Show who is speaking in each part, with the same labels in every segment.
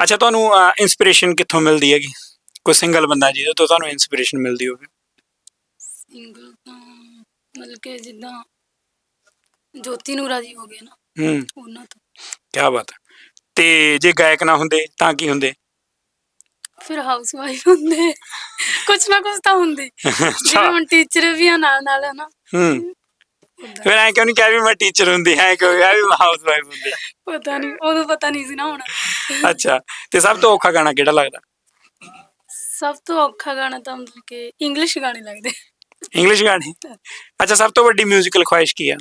Speaker 1: ਅੱਛਾ, ਤੁਹਾਨੂੰ ਇੰਸਪੀਰੇਸ਼ਨ ਕਿੱਥੋਂ ਮਿਲਦੀ ਹੈਗੀ? ਕੋਈ ਸਿੰਗਲ ਬੰਦਾ ਜਿਹਦੇ ਤੋਂ ਤੁਹਾਨੂੰ ਇੰਸਪੀਰੇਸ਼ਨ ਮਿਲਦੀ ਹੋਵੇ?
Speaker 2: ਸਿੰਗਲ ਤਾਂ ਮਤਲਬ ਕਿ ਜਿੱਦਾਂ ਜੋਤੀ ਨੂਰਾ ਜੀ ਹੋ ਗਏ ਨਾ,
Speaker 1: ਹੂੰ,
Speaker 2: ਉਹਨਾਂ ਤੋਂ।
Speaker 1: ਕਿਆ ਬਾਤ ਹੈ। ਤੇ ਜੇ ਗਾਇਕ ਨਾ ਹੁੰਦੇ ਤਾਂ ਕੀ ਹੁੰਦੇ?
Speaker 2: ਫਿਰ ਹਾਊਸ ਵਾਈਫ ਹੁੰਦੇ, ਕੁਛ ਨਾ ਕੁਛ ਤਾਂ ਹੁੰਦੇ। ਜਿਵੇਂ
Speaker 1: ਅੱਛਾ।
Speaker 2: ਹੁਣ ਟੀਚਰ ਵੀ ਆ ਨਾਲ ਨਾਲ, ਹਨਾ।
Speaker 1: ਹੂੰ,
Speaker 2: ਓਦਾਂ
Speaker 1: ਫਿਰ ਐਂ ਕਿਉਂ ਨਹੀਂ ਕਿਹਾ ਵੀ ਮੈਂ ਟੀਚਰ ਹੁੰਦੀ, ਐਂ ਕਿਉਂ ਕਿਹਾ ਵੀ ਮੈਂ ਹਾਊਸ ਵਾਈਫ ਹੁੰਦੀ?
Speaker 2: ਪਤਾ ਨਹੀਂ, ਉਦੋਂ ਪਤਾ ਨਹੀਂ ਸੀ ਨਾ ਹੁਣ।
Speaker 1: ਅੱਛਾ, ਤੇ ਸਭ ਤੋਂ ਔਖਾ ਗਾਣਾ ਕਿਹੜਾ ਲੱਗਦਾ?
Speaker 2: ਸਭ ਤੋਂ ਔਖਾ ਗਾਣਾ ਤਾਂ ਮਤਲਬ ਕਿ ਇੰਗਲਿਸ਼ ਗਾਣੇ ਲੱਗਦੇ।
Speaker 1: ਇੰਗਲਿਸ਼ ਗਾਣੇ। ਅੱਛਾ, ਸਭ ਤੋਂ ਵੱਡੀ ਮਿਊਜ਼ੀਕਲ ਖੁਆਇਸ਼ ਕੀ ਆ?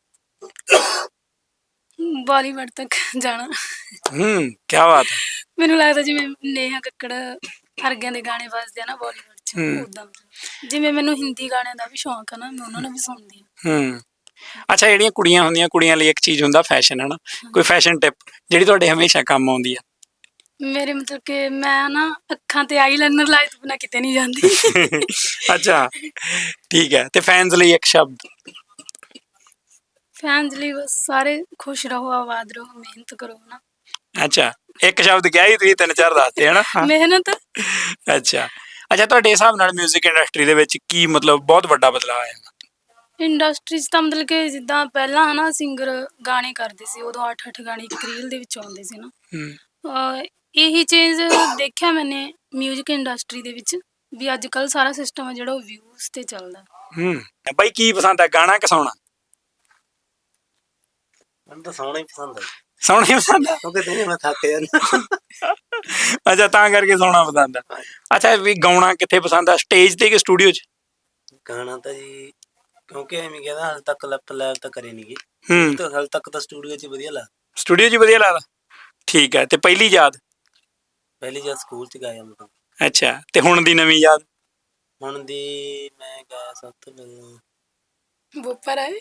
Speaker 2: ਬਾਲੀਵੁੱਡ ਤੱਕ ਜਾਣਾ।
Speaker 1: ਕਿਆ ਬਾਤ ਹੈ।
Speaker 2: ਮੈਨੂੰ ਲੱਗਦਾ ਜਿਵੇਂ ਨੇਹਾ ਕੱਕੜ ਵਰਗਿਆਂ ਦੇ ਗਾਣੇ ਵੱਜਦੇ ਆ ਨਾ ਬਾਲੀਵੁੱਡ 'ਚ,
Speaker 1: ਹੂੰ
Speaker 2: ਉੱਦਾਂ। ਜਿਵੇਂ ਮੈਨੂੰ ਹਿੰਦੀ ਗਾਣਿਆਂ ਦਾ ਵੀ ਸ਼ੌਂਕ ਆ ਨਾ, ਮੈਂ ਉਹਨਾਂ ਨੂੰ ਵੀ ਸੁਣਦੀ ਹਾਂ।
Speaker 1: ਹੂੰ। ਅੱਛਾ, ਜਿਹੜੀਆਂ ਕੁੜੀਆਂ ਹੁੰਦੀਆਂ, ਕੁੜੀਆਂ ਲਈ ਇੱਕ ਚੀਜ਼ ਹੁੰਦਾ ਫੈਸ਼ਨ, ਹੈ ਨਾ? ਕੋਈ
Speaker 2: ਹਾਂਜੀ।
Speaker 1: ਫੈਸ਼ਨ ਟਿਪ ਜਿਹੜੀ ਤੁਹਾਡੇ ਹਮੇਸ਼ਾ ਕੰਮ ਆਉਂਦੀ ਆ?
Speaker 2: ਮੇਰੇ ਮਤਲਬ ਕਿ ਮੈਂ ਨਾ ਅੱਖਾਂ ਤੇ ਆਈਲਾਈਨਰ ਲਾਏ ਤੋਂ ਬਿਨਾਂ ਕਿਤੇ ਨਹੀਂ ਜਾਂਦੀ।
Speaker 1: ਅੱਛਾ, ਠੀਕ ਹੈ। ਤੇ ਫੈਨਸ ਲਈ ਇੱਕ ਸ਼ਬਦ?
Speaker 2: ਫੈਨਸ ਲਈ ਬਸ ਸਾਰੇ ਖੁਸ਼ ਰਹੋ, ਆਬਾਦ ਰਹੋ, ਮਿਹਨਤ ਕਰੋ ਨਾ।
Speaker 1: ਅੱਛਾ, ਇੱਕ ਸ਼ਬਦ ਕਿਹਾ ਸੀ ਤੁਸੀਂ, 3-4 ਦੱਸਤੇ, ਹੈ ਨਾ?
Speaker 2: ਮਿਹਨਤ।
Speaker 1: ਅੱਛਾ। ਅੱਛਾ, ਤੁਹਾਡੇ ਹਿਸਾਬ ਨਾਲ ਮਿਊਜ਼ਿਕ ਇੰਡਸਟਰੀ ਦੇ ਵਿੱਚ ਕੀ ਮਤਲਬ ਬਹੁਤ ਵੱਡਾ ਬਦਲਾਅ ਆਇਆ?
Speaker 2: ਇੰਡਸਟਰੀ 'ਚ ਤਾਂ ਮਤਲਬ ਕਿ ਜਿੱਦਾਂ ਪਹਿਲਾਂ ਹਨਾ ਸਿੰਗਰ ਗਾਣੇ ਕਰਦੇ ਸੀ, ਉਦੋਂ 8-8 ਗਾਣੇ ਇੱਕ ਰੀਲ ਦੇ ਵਿੱਚ ਆਉਂਦੇ ਸੀ ਨਾ।
Speaker 1: ਹੂੰ।
Speaker 2: ਇਹੀ ਚੇਂਜ ਦੇਖਿਆ ਮੈਨੇ ਮਿਊਜ਼ਿਕ ਇੰਡਸਟਰੀ ਦੇ ਵਿੱਚ, ਵੀ ਅੱਜ ਕੱਲ੍ਹ ਸਾਰਾ ਸਿਸਟਮ ਆ ਜਿਹੜਾ ਉਹ ਵਿਊਜ਼ 'ਤੇ ਚੱਲਦਾ।
Speaker 1: ਬਾਈ ਕੀ ਪਸੰਦ ਆ, ਗਾਣਾ ਕਿ ਸੌਣਾ?
Speaker 3: ਮੈਨੂੰ ਤਾਂ ਸੌਣਾ ਹੀ ਪਸੰਦ ਹੈ।
Speaker 1: ਸੌਣਾ ਹੀ ਪਸੰਦ ਆ?
Speaker 3: ਕਿਉਂਕਿ ਦਿਨੇ ਮੈਂ ਥੱਕ ਜਾਂਦਾ।
Speaker 1: ਅੱਛਾ, ਤਾਂ ਕਰਕੇ ਸੌਣਾ ਪਸੰਦ ਆ। ਅੱਛਾ, ਵੀ ਗਾਉਣਾ ਕਿੱਥੇ ਪਸੰਦ ਆ, ਸਟੇਜ ਤੇ ਕਿ ਸਟੂਡੀਓ 'ਚ?
Speaker 3: ਗਾਣਾ ਤਾਂ ਜੀ ਕਿਉਂਕਿ ਐਵੇਂ ਕਹਿੰਦਾ ਹਾਲੇ ਤੱਕ ਲੈਵਲ ਤਾਂ ਕਰੇ ਨਹੀਂ ਗੀ।
Speaker 1: ਹੂੰ,
Speaker 3: ਤਾਂ ਹਾਲੇ ਤੱਕ ਤਾਂ ਸਟੂਡੀਓ 'ਚ ਵਧੀਆ ਲੱਗਦਾ।
Speaker 1: ਸਟੂਡੀਓ 'ਚ ਹੀ ਵਧੀਆ ਲੱਗਦਾ। ਠੀਕ ਹੈ। ਤੇ ਪਹਿਲੀ ਯਾਦ?
Speaker 3: ਪਹਿਲੀ ਜਦ ਸਕੂਲ 'ਚ ਗਾਇਆ ਮੈਂ।
Speaker 1: ਅੱਛਾ, ਤੇ ਹੁਣ ਦੀ ਨਵੀਂ ਯਾਦ?
Speaker 3: ਹੁਣ ਦੀ ਮੈਂ ਗਾਇਆ ਸਭ ਤੋਂ ਪਹਿਲਾਂ
Speaker 2: ਬੋਪਰ ਆਏ।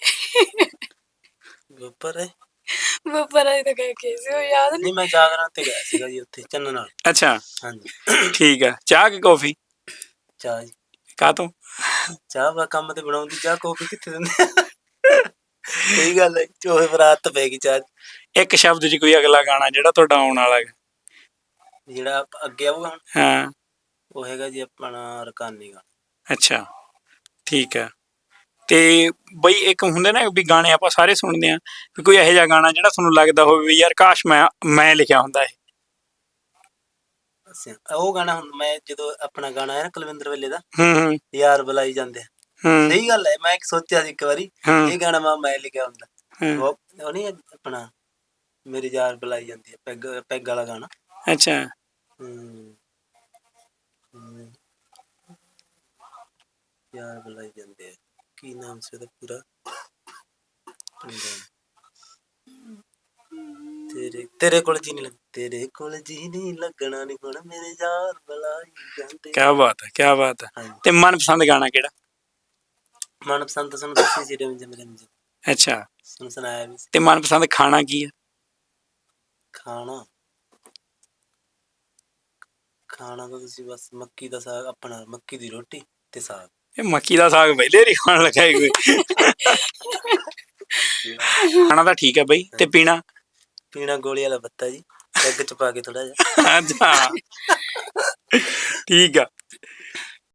Speaker 3: ਗੋਪਰ ਹੈ।
Speaker 2: ਬੋਪਰ ਆਏ ਤਾਂ ਗਏ ਕੇ ਸੀ, ਉਹ ਯਾਦ ਨਹੀਂ।
Speaker 3: ਨਹੀਂ, ਮੈਂ ਜਾਗਰਣ ਤੇ ਗਿਆ ਸੀਗਾ ਜੀ, ਉੱਥੇ ਚੰਨ ਨਾਲ।
Speaker 1: ਅੱਛਾ,
Speaker 3: ਹਾਂਜੀ।
Speaker 1: ਠੀਕ ਹੈ। ਚਾਹ ਕਿ ਕੌਫੀ?
Speaker 3: ਚਾਹ ਜੀ।
Speaker 1: ਕਾਹ ਤੋਂ?
Speaker 3: ਚਾਹ ਬਾ ਕੰਮ ਤੇ ਬਣਾਉਂਦੀ ਚਾਹ, ਕੌਫੀ ਕਿੱਥੇ ਦਿੰਦੇ? ਸਹੀ ਗੱਲ ਹੈ, ਚੋਹੇ ਪਰ ਆਦਤ ਪੈ ਗਈ ਚਾਹ।
Speaker 1: ਇੱਕ ਸ਼ਬਦ 'ਚ ਕੋਈ ਅਗਲਾ ਗਾਣਾ ਜਿਹੜਾ ਤੁਹਾਡਾ ਆਉਣ ਵਾਲਾ ਹੈ?
Speaker 3: ਜਿਹੜਾ ਅੱਗੇ ਆਊਗਾ ਹੁਣ,
Speaker 1: ਹਾਂ।
Speaker 3: ਉਹ ਹੈਗਾ ਜੀ ਆਪਣਾ ਰਕਾਨੀ ਗਾ।
Speaker 1: ਅੱਛਾ, ਠੀਕ ਹੈ। ਤੇ ਬਈ ਇੱਕ ਹੁੰਦੇ ਨਾ ਵੀ ਗਾਣੇ ਆਪਾਂ ਸਾਰੇ ਸੁਣਦੇ ਹਾਂ, ਵੀ ਕੋਈ ਇਹੋ ਜਿਹਾ ਗਾਣਾ ਜਿਹੜਾ ਤੁਹਾਨੂੰ ਲੱਗਦਾ ਹੋਵੇ ਵੀ ਯਾਰ ਕਾਸ਼ ਮੈਂ ਲਿਖਿਆ ਹੁੰਦਾ ਇਹ?
Speaker 3: ਅੱਛਾ, ਉਹ ਗਾਣਾ ਹੁਣ ਮੈਂ ਜਦੋਂ ਆਪਣਾ ਗਾਣਾ ਹੈ ਨਾ ਕੁਲਵਿੰਦਰ ਵੇਲੇ ਦਾ,
Speaker 1: ਹੂੰ
Speaker 3: ਯਾਰ ਬੁਲਾਈ ਜਾਂਦੇ ਆ।
Speaker 1: ਹੂੰ
Speaker 3: ਸਹੀ ਗੱਲ ਹੈ, ਮੈਂ ਸੋਚਿਆ ਸੀ ਇੱਕ ਵਾਰੀ
Speaker 1: ਹੂੰ
Speaker 3: ਇਹ ਗਾਣਾ ਮੈਂ ਲਿਖਿਆ ਹੁੰਦਾ।
Speaker 1: ਹੂੰ।
Speaker 3: ਉਹ ਨਹੀਂ ਆਪਣਾ ਮੇਰੀ ਯਾਰ ਬੁਲਾਈ ਜਾਂਦੀ ਹੈ, ਪੈਗ ਵਾਲਾ ਗਾਣਾ।
Speaker 1: ਅੱਛਾ।
Speaker 3: ਯਾਰ ਬੁਲਾਈ ਜਾਂਦੇ ਆ, ਕੀ ਨਾਮ ਸੀ ਉਹਦਾ ਪੂਰਾ? ਤੇਰੇ ਕੋਲ ਜੀ ਨਹੀਂ ਲੱਗਣਾ, ਤੇਰੇ ਕੋਲ ਜੀ ਨਹੀਂ ਲੱਗਣਾ ਨੀ ਹੁਣ ਮੇਰੇ ਯਾਰ ਬੁਲਾਈ ਜਾਂਦੇ।
Speaker 1: ਕਿਆ ਬਾਤ ਹੈ, ਕਿਆ ਬਾਤ ਹੈ। ਤੇ ਮਨਪਸੰਦ ਗਾਣਾ ਕਿਹੜਾ?
Speaker 3: ਮਨਪਸੰਦ ਤਾਂ ਸਾਨੂੰ ਦੱਸੀ ਸੀ ਰਿਮਝਿਮ ਰਿਮਝਿਮ।
Speaker 1: ਅੱਛਾ,
Speaker 3: ਤੁਹਾਨੂੰ ਸੁਣਾਇਆ ਵੀ ਸੀ।
Speaker 1: ਤੇ ਮਨਪਸੰਦ ਖਾਣਾ ਕੀ ਆ?
Speaker 3: ਖਾਣਾ ਖਾਣਾ ਤਾਂ ਤੁਸੀਂ ਬਸ ਮੱਕੀ ਦਾ ਸਾਗ, ਆਪਣਾ ਮੱਕੀ ਦੀ ਰੋਟੀ ਤੇ ਸਾਗ।
Speaker 1: ਇਹ ਮੱਕੀ ਦਾ ਸਾਗ ਪਹਿਲੇ ਨੀ ਖਾਣ ਲੱਗਾ ਕੋਈ। ਖਾਣਾ ਤਾਂ ਠੀਕ ਹੈ ਬਈ, ਤੇ ਪੀਣਾ?
Speaker 3: ਪੀਣਾ ਗੋਲੀ ਵਾਲਾ ਪੱਤਾ ਜੀ, ਪੈਗ ਚ ਪਾ ਕੇ ਥੋੜਾ ਜਿਹਾ।
Speaker 1: ਅੱਛਾ, ਠੀਕ ਆ।